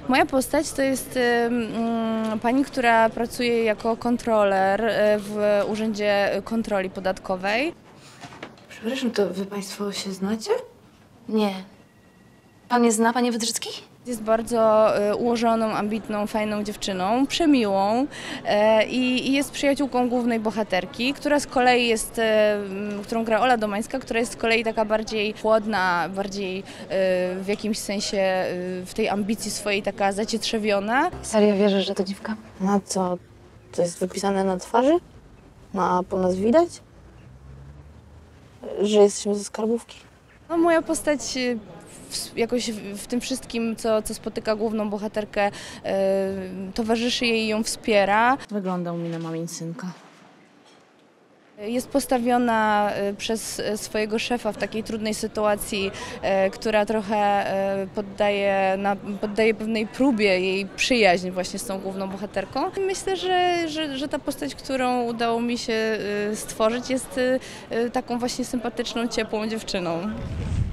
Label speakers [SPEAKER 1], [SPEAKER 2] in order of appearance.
[SPEAKER 1] Moja postać to jest pani, która pracuje jako kontroler w Urzędzie Kontroli Podatkowej.
[SPEAKER 2] Przepraszam, to wy państwo się znacie?
[SPEAKER 3] Nie. Pan nie zna, panie Wydrzycki?
[SPEAKER 1] Jest bardzo ułożoną, ambitną, fajną dziewczyną, przemiłą i jest przyjaciółką głównej bohaterki, która z kolei jest, którą gra Ola Domańska, która jest z kolei taka bardziej chłodna, bardziej w jakimś sensie w tej ambicji swojej taka zacietrzewiona.
[SPEAKER 3] Serio wierzysz, że to dziwka?
[SPEAKER 2] Na co? To jest wypisane na twarzy? No, a po nas widać? Że jesteśmy ze skarbówki?
[SPEAKER 1] No, moja postać jakoś w tym wszystkim, co spotyka główną bohaterkę, towarzyszy jej i ją wspiera.
[SPEAKER 2] Wyglądał mi na mamin synka.
[SPEAKER 1] Jest postawiona przez swojego szefa w takiej trudnej sytuacji, która trochę poddaje pewnej próbie jej przyjaźń właśnie z tą główną bohaterką. I myślę, że ta postać, którą udało mi się stworzyć, jest taką właśnie sympatyczną, ciepłą dziewczyną.